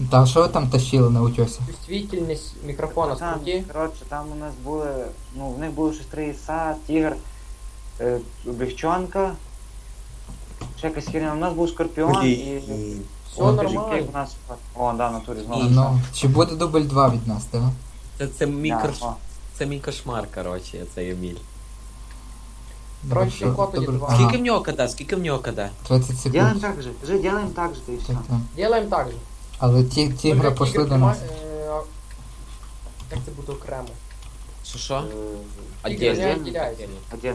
Та що ви там тащили на утьосі? Чувствительність мікрофона Там, скруті. коротше, там у нас були, ну, в них були щось 3 іса, тігр, облегчонка, ще якась херня. У нас був скорпіон і... Все О, нормально. кажи, як у нас... О, да, в натурі знову. Ну, чи буде дубль 2 від нас, так? Це мій Да, кош... о. Це мій кошмар, коротше, цей Еміль. Коротше, ход тоді два. Скільки в нього КД? Скільки в нього КД? 30 Делаем секунд. так же, кажи, делаем так же, и все. Так, так. Делаем так же. Але тігра пошли до нас. Як це буде окремо? Що? Тігр не Отдельно. відділяється. Один.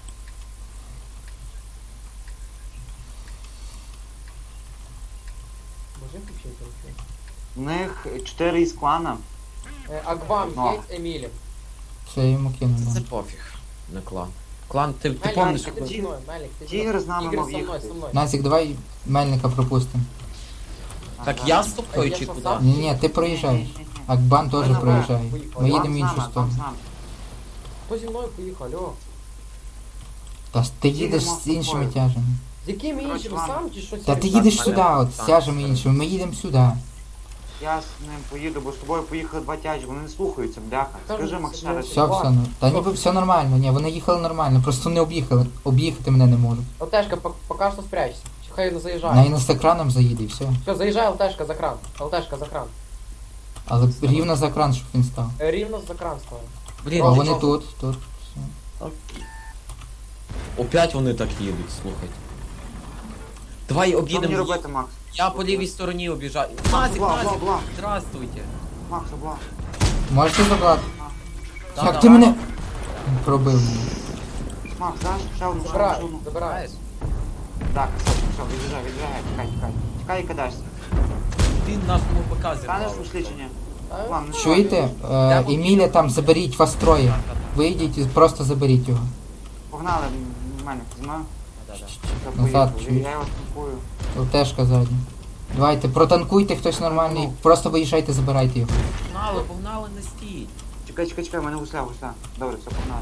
Може включити трохи? У них 4 із клана. Агвам, Ну. Єць, Емілі. Це я йому кину. Це да. пофіг. На клан. Клан, ти Мельник, помниш, ти коли... зі мною, Мельник, ти зі Тігр мною. з нами Тігр мав со мною, їхати. со мною. Назік, давай Мельника пропустимо. Так Ага. я з тобою Я чи що, куди? сам? Ні, ти проїжджаєш. Акбан теж Давай, проїжджає. поїхали. Ми Я їдемо в іншу Там з сторону. нами. Хто зі мною поїхав, алло? Та ж ти їдеш Їдемо з іншими тобою. тяжами. З яким Коротше, іншим, ладно. сам чи що? Та ти Сергій? їдеш Так, сюди, мене от з там тяжами все. іншими. Ми їдемо сюди. Я з ним поїду, бо з тобою поїхали 2 тяжі, вони не слухаються, бляха. Та Скажи, ну, Макс, це ще раз. Все, все, ну. Та ніби все нормально, ні, вони їхали нормально, просто не об'їхали. Об'їхати мене не можуть. ЛТшка, поки що спрячься. Чи хай не На заїжджає. і з екраном заїде і все. Все, заїжджає ЛТшка за кран. ЛТшка за кран. Але рівно за екран, щоб він став. Рівно за кран став. Блін, А О, вони що? тут. Все. опять вони так їдуть, слухайте. Давай Що мені об'їдемо. робити, Макс? Я по лівій стороні об'їжджаю. Назік, бла, Назік, бла. здравствуйте. Макс, обла. Можете забрати? Да, Як да. ти мене пробив мене? Макс, даш? Ще одну, ще Забирай, одну. забирай. Знаєш? Так, все, від'їжджай, тікай. Тікай і кидаєшся. Ти нашому показі. Станеш у слідчення? А? Ладно, ну, Чуєте? Еміля там заберіть вас троє. Вийдіть і просто заберіть його. Погнали, мене знімаю. Все, Назад, поїхали. чуєш? Я його танкую. ЛТшка задня. Давайте, протанкуйте хтось нормальний, просто виїжджайте, забирайте його. Погнали, не стій. Чекай, в мене гусля. Добре, все, погнали.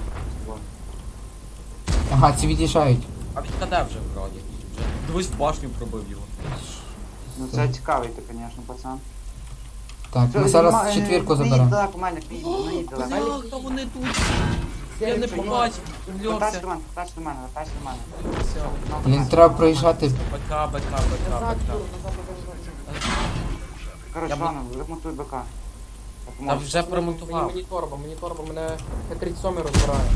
Ага, ці від'їжджають. А від КД вже вроді. Вже дивись, в башню пробив його. Ну це цікавий ти, звісно, пацан. Так, ми зараз четвірку заберемо. Так, у мене наїдь далеко. Бляха, вони тут. Я не Сергій, побачив, Вертайся увльовся. до мене, вертайся до мене. Все. Блін, треба проїжджати. БК. Назад, назад, назад. Коротше, Я ладно, ремонтуй БК. Та вже промонтував. Мені торба, мене Т-37 розбирає.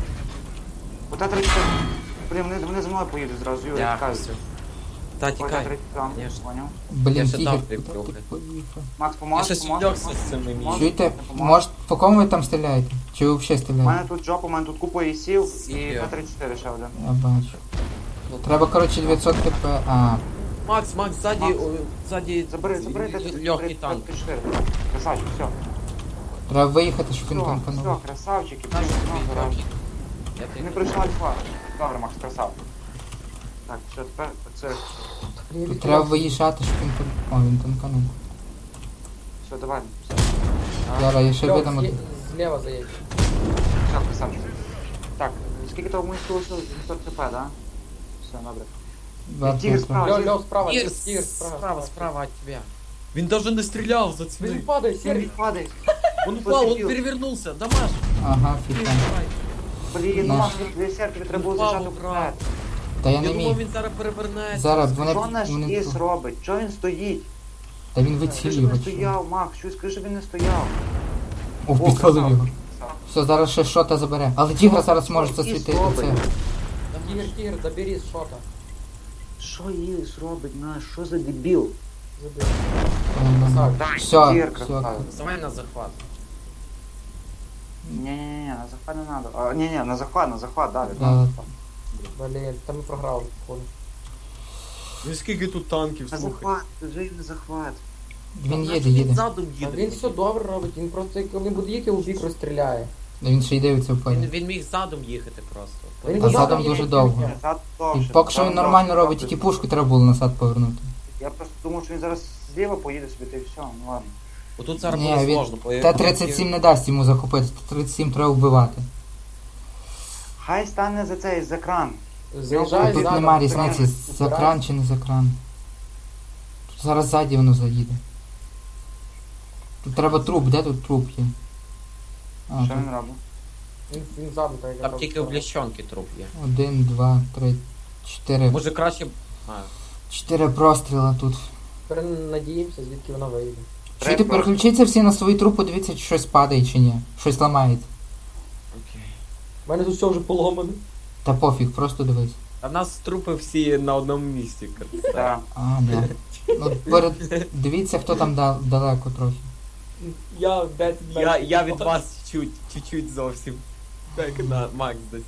Ота 30. Блін, вони за мною поїдуть зразу, Юрій, Я тікай. Та Ота тікай. 30, Конечно. поняв? Я Блін, ще тігр. дав прикрухи. Макс, Я поможеш? щось увльовся з цими місцями. Чуєте? Може, по кому ви там стріляєте? Чи ви взагалі У стріляєте? мене тут жопа, у мене тут купа ісів і Сів. Т-34 ще один. Я бачу. Треба, коротше, 900 хп. А, Макс, ззаді, Макс. ззаді Забери легкий танк. Т-34. Красавчик, все. треба виїхати, щоб він Все, танканув. красавчики. Наш блін, тобі ну, гаразд. графік. Я тобі Не пройшла альфа. Добре, Макс, красав. Так, що тепер це. Тут треба виїжджати, щоб він танканув. О, він танканув. Все, давай. Все, Зараз я ще Льох, видам. зліва заїдь. все, красавчик. Так, скільки того ми залишилось? 900 хп, да? Все, добре. Тігр справа. Льох, справа, Ігор, тігр, справа. справа от тебя. Він даже не стріляв за Він цвіни. падає, Сергій Сергій. падає. Он упал, он Посидів. перевернулся. Дамаш. Ага, фіта. Блін, Наш. Макс, дві серки треба було Упав, зажати брат. вперед. Та я Я не думав, міг. він зараз перевернеться. Зараз вони... Що наш вони- іс робить? Чого він стоїть? Та він Скажи, вицілив щоб його. не стояв, Макс, що скажи, щоб він не стояв. О, підпалив красавчик. його. Все, зараз ще шота забере. Але тігра зараз може Що засвітити іс робить? це. Тігр, забери з шота. Що іс робить наш? Що за дебіл? Забери. Все, Тігр, все. красавчик. Давай на захват. Не-не-не, на захват не надо. А, не-не, на захват, далі. Да. Блін, там ми програли, походу. Ну скільки тут танків, На слухай. захват, вже й на захват. Він їде. Задом А їде. він все добре робить, він просто як він буде їхати, у бік розстріляє. Він ще й дивиться в Він, полі. він міг задом їхати просто. Він А задом задом їде, дуже як довго. їде. Назад І довше. поки що він Там нормально довше, робить, довше. тільки пушку треба було назад повернути. Я просто думав, що він зараз зліва поїде собі, та й все, ну ладно. Отут зараз Ні, буде він- сложно. бо Т-37 не дасть йому захопити, Т-37 треба вбивати. Хай стане за цей, за кран. Заїжджає Тут задом, нема збирає, різниці, за збирає. кран чи не за кран. Тут зараз ззаді воно заїде. Тут треба труп, де тут труп є? А, Що тут він робить? Він ззаду, так як я Там тільки в блящонки труп є. 1, 2, 3, 4. Може краще. А, 4 простріла тут. Тепер надіємося, звідки вона вийде. Чуєте, переключіться всі на свої труп, подивіться, чи щось падає чи ні. Щось ламається. окей. У мене тут все вже поломане. Та пофіг, просто дивись. А в нас трупи всі на одному місці. Так. А, да. Ну, дивіться, хто там далеко трохи. Я 10 Я від вас чуть-чуть зовсім. Так, на Макс десь.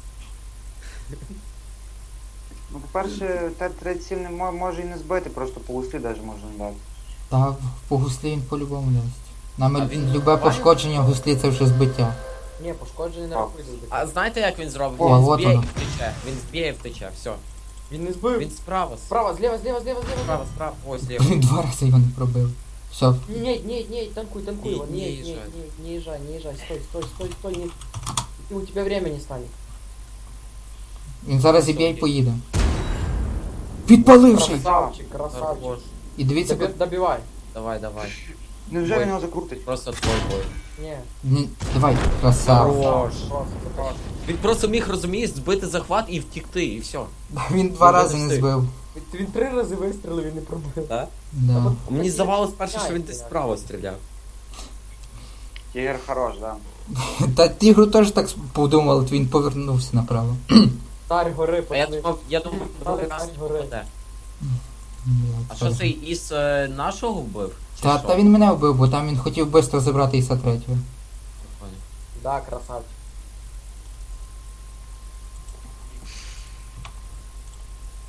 Ну, по-перше, Т-37 може і не збити, просто по гуслі навіть можна дати. Та по гуслі він по-любому дасть. Нам А він любе має? пошкодження в гуслі це вже збиття. Ні, пошкоджений не Так. рахується. А знаєте, як він зробить? О, Він от зб'є і воно. втече. Він зб'є і втече, все. Він не збив. Він справа. Справа, зліва, зліва, зліва, зліва. Справа, справа. Ось ліво. Блін, 2 рази його не пробив. Все, Не, танкуй Не- его. не Не езжай. езжай, стой, у тебя времени станет. він зараз зіб'є і поїде. Підпаливший! Красавчик, красавчик. Хорош. І дивіться, Добивай. Давай. Невже Ой. він його закрутить? Просто твой бой. Не. давай, красава. Хорош. Просто. Він просто міг, розумієш, збити захват і втікти, і все. Він 2 Ну, рази не встиг. збив. Він 3 рази вистрілив і не пробив. Так? Да. Мені здавалось перше, що він Яйця, десь як. справа стріляв. Тігр хорош, да. Та тігру теж так подумав, він повернувся направо. Царь гори, А я пацани. думав, другий раз не Гори. попаде. А що цей із нашого вбив? Чи Та, що? та він мене вбив, бо там він хотів швидко забрати Іса 3. Понял. Да, красавчик.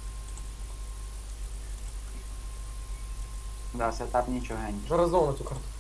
Да, сетап нічого геній. Вже разом на цю карту.